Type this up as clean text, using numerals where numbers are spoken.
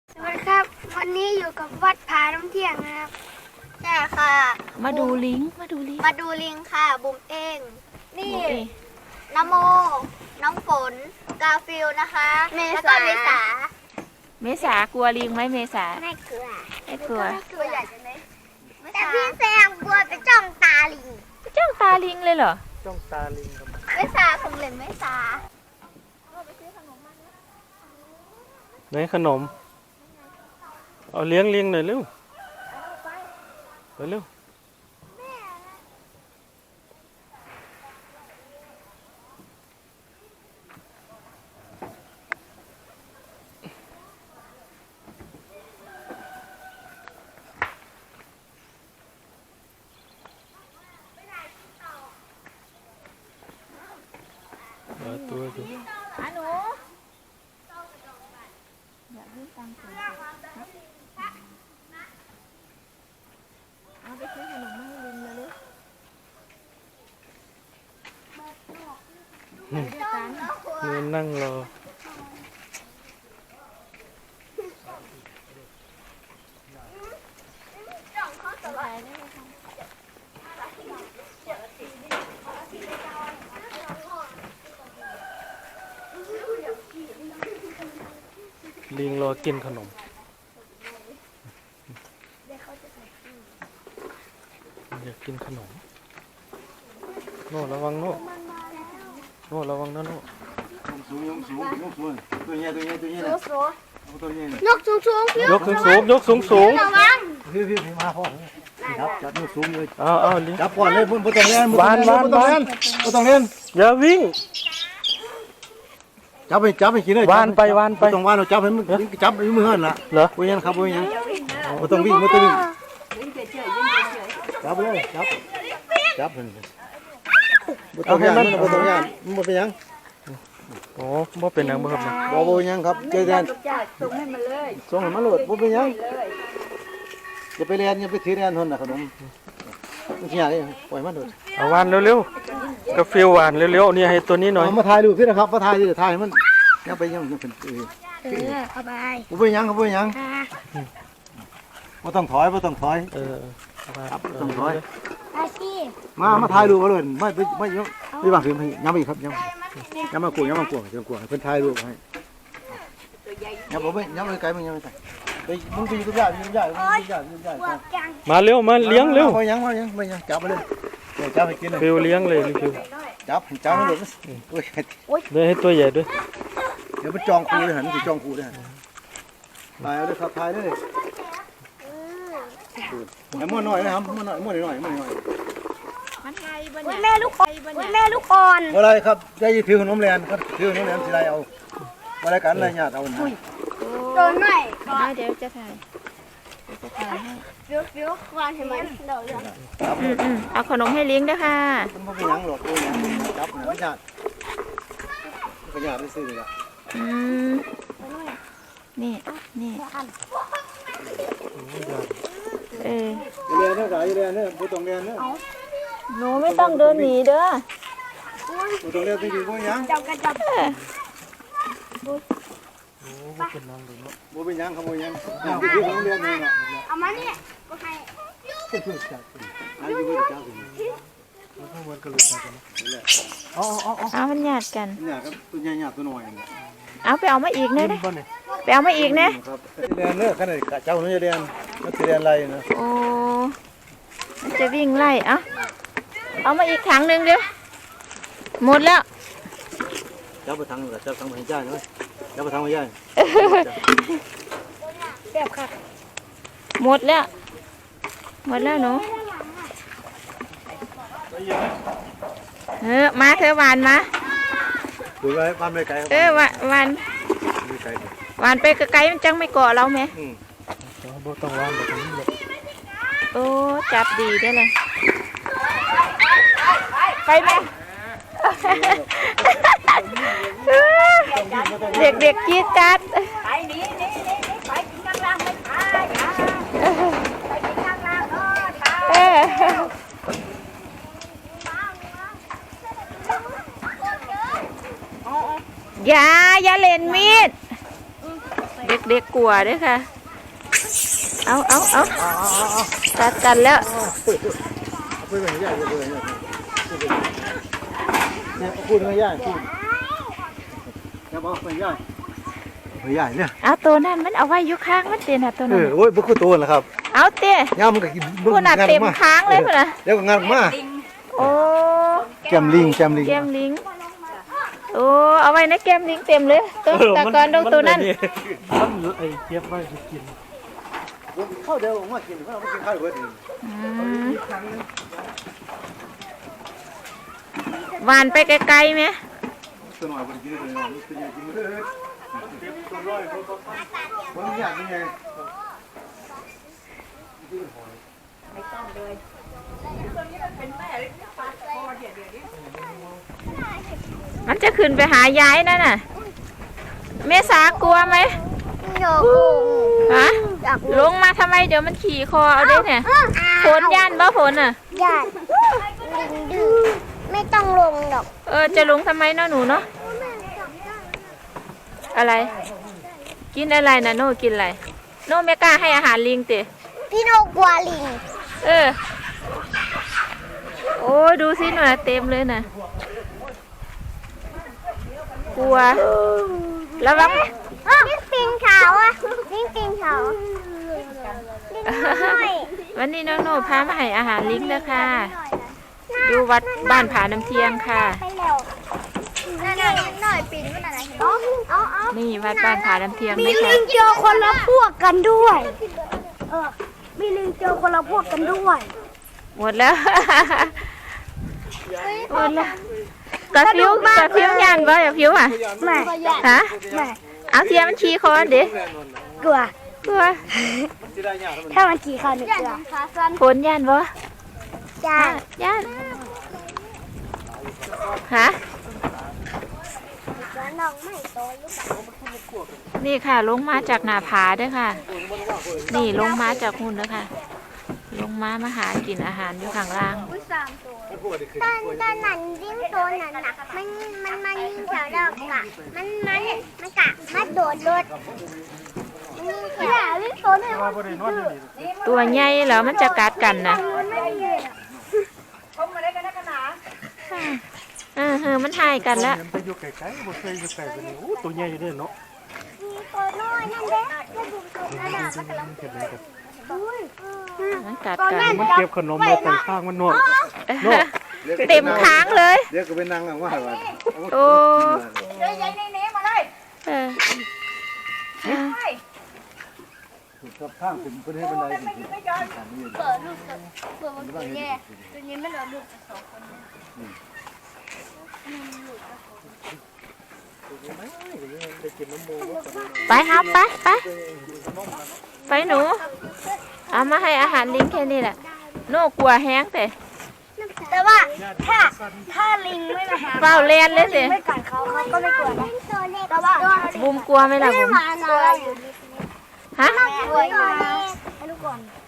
สวัสดีครับวันนี้อยู่กับวัดผาน้ำเที่ยงนะครับใช่ค่ะมาดูลิงค่ะบุ๋มเองนี่น้ำโมน้องฝนกาฟิลนะคะแล้วก็เมษากลัวลิงไหมเมษาไม่กลัวตัวใหญ่จังเลยแต่พี่แซมกลัวไปจ้องตาลิงจ้องตาลิงเลยเหรอจ้องตาลิงทำไมเมษาของเหลนเมษาไหนขนมเอาเลี้ยงลิงหน่อยเร็วเร็วตัวดูหนูอยากยื่นตังค์เอาไปซื้อขนมมาให้ลิงเลยลูกนี่นั่งรอลิงรอกินขนมอยากกินขนมโน่ระวังโน่ระวังนะโน่สูงตัวใหญ่ยกสูงระวังพี่มาพ่อจับยกสูงเลยเอาลิงจับก่อนเลยพุ่นต้องเล่นวานต้องเล่นอย่าวิ่งจับไปกินเลยวานไปต้องวานเราจับให้มึงจับให้มือหันละเหรอปุยยันครับปุยยันไม่ต้องวิ่งจับเลยจับไม่ต้องย่านไม่ต้องย่านมันเป็นยังโอ้บ่เป็นยังบ่ครับนะบ่ยังครับเจอกันส่งให้มันเลยบ่เป็นยังจะไปเรียนไปถือเรียนทนนะขนมไม่ใช่อะไรปล่อยมันเลยเอาวานเร็วๆกาแฟหวานเร็วๆนี่ให้ตัวนี้หน่อยมาถ่ายรูปสินะครับมาถ่ายมันยังไปยังเป็นเอาไปบ่ยังบ่ต้องถอยต้องถอยต้องถอยอาชีมาถ่ายรูปเลยไม่บางทียังไม่ครับยังมากลัวเพิ่นถ่ายรูปให้ยังบ่ยังไม่ไกลมึงยังไม่ไกลไปมึงไปอยู่กับญาติมาเร็วมาเลี้ยงเร็วไม่ยังจับมาเลยจับไปกินเลยฟิวเลี้ยงเลยฟิวจับให้หลุดเลยให้ตัวใหญ่ด้วยเดี๋ยวมันจองคูเลยหันสิจองคูเลยหันถ่ายเอาเลยครับถ่ายเลยไอ้ม้วนน้อยนะครับม้วนน้อยแม่ลูกอ่อนอะไรครับได้ถือขนมแลนครับถือขนมแลนสิได้เอาอะไรกันอะไรญาติเอานะโดนหน่อยเดี๋ยวจะถ่ายให้ฟิววานให้มันเดี๋ยวเอาขนมให้ลิงด้วยค่ะมันไม่ยังหรอกตัวยังจับนะไม่ญาติได้ซื้อเลยนี่เรียนเนี่ยผู้ต้องเรียนเนี่ยหนูไม่ต้องเดินหนีเด้อผู้ต้องเรียนไปดีกว่ายังจับบ่เป็นยังครับบ่ยังผู้ต้องเรียนเนี่ยเอามานี่ก็ให้อยู่กับเจ้าเอามันหยาดกันเนี่ยครับตัวใหญ่ตัวน้อยเอาไปเอามาอีกนะไปเอามาอีกนะเรียนเนี่ยขนาดเจ้าเนี่ยเรียนมันจะเรียนอะไรนะโอ้มันจะวิ่งไล่เอามาอีกถังหนึ่งเดี๋ยวหมดแล้วเจ้าไปทางไปย่าใช่ไหมเจ้าไปทางไปย่าแซ่บค่ะหมดแล้วหนูมาเธอหวานมาดูไว้บ้านไม่ไกลหวานไปไกลมันจังไม่เกาะเราไหมต้องวานแบบนี้เลยโอ้จับดีได้เลยไปไหมเด็กจี๊ดจัดไปนี่ไปกินข้างล่างไม่ไปกินข้างล่างอย่าเล่นมีดเด็กๆกลัวเด้วยค่ะ เอาตัดกันแล้วพูดไปใหญ่พูดไปใหญ่เนี่ยพูดไปใหญ่พูดอย่าบอกไปใหญ่ไปใหญ่เนี่ยเอาตัวนั้นมันเอาไว้อยู่ข้างมันเต็มตัวนั้นโอ้ยบุกตัวแล้วครับเอาเต้ย่ามันก็กินคุณน่ะเต็มค้างเลยคุณน่ะเดี๋ยวก็งานมาโอ้แกมลิงแก้มลิงโอ้เอาไว้นะแก้มลิงเต็มเลยตัวตะกอนดงตัวนั้นมันไอ้เก็บไว้จะกินข้าวเดียวผมมากินเพราะเราไม่กินข้าวเบิดเองหวานไปไกลๆไหมตัวหน่อยบริกินเลยนี่ตัวใหญ่กินเลยมันอยากยังไงมันจะขึ้นไปหายายนั่นน่ะเมษากลัวไหมโยกฮะลงมาทำไมเดี๋ยวมันขี่คอเอาได้เนี่ยฝนย่านบ่ฝนอ่ะญาติลิงดื้อไม่ต้องลงหรอกจะลงทำไมเนาะหนูเนาะอะไร กินอะไรนะโน่กินอะไรโน่ไม่กล้าให้อาหารลิงติพี่โนกลัวลิงโอ้ดูสิหนูนะเต็มเลยนะกลัวระวังลิงปิงเขาอะลิงปิงเขาลิงน้อยวันนี้น้องโน่พามาให้อาหารลิงแล้วค่ะอยู่วัดบ้านผาน้ำเทียงค่ะไปเร็วนั่นหน่อยปิงมันอะไรเอานี่วัดบ้านผาน้ำเทียงมีนี่ลิค่ะงเจอคนละพวกกันด้วยมีลิงเจอคนละพวกกันด้วยหมดแล้วหมดแล้วกระพิ้วยันบ่อย่าพิ้วอ่ะไม่ฮะไม่เอาเทียมมันขี่คอเด็กกลัวกลัวถ้ามันขี่เขาหนึ่งกลัวฝนยันบ่จ้ายันฮะน้องไม่โตหรือเปล่านี่ค่ะลงมาจากหน้าผาเด้อค่ะ นี่ลงมาจากหุ่นเด้อค่ะ ลงมาหากินอาหารอยู่ข้างล่างตอนนั้นยิ่งโตนั่นน่ะมันยิ่งแถวดอกกะมันกะมาโดดยิ่งแถวยิ่งโตเนี่ยตัวใหญ่แล้วมันจะกัดกันนะมันหายกันแล้วไปอยู่ไกลๆบ่เคยอยู่ไกลกว่านี้โอ้ตัวใหญ่อยู่เด้อเนาะมีตัวน้อยนั่นเด้ก็ดูตัวนั่นน่ะมันกัดกันมันเก็บขนมมาแต่ข้างมันเนาะเต็มค้างเลยเดี๋ยวก็ไปนั่งว่าวันโอ้กับข้างถึงประเทศบันไดถึงเปิดมันตัวแย่ตัวนี้ไม่โดนลูกสองคนไปครับไปหนูเอามาให้อาหารลิงแค่นี้แหละโน่กลัวแห้งแต่แต่ว่าถ้าลิงไม่มาหาเฝ้าเล่นเลยสิไม่กัดเขาก็ไม่กลัวนะแต่ว่าบุมกลัวไหมล่ะบุมตัวอยู่ฮะตัวอยู่ให้ลูกก่อน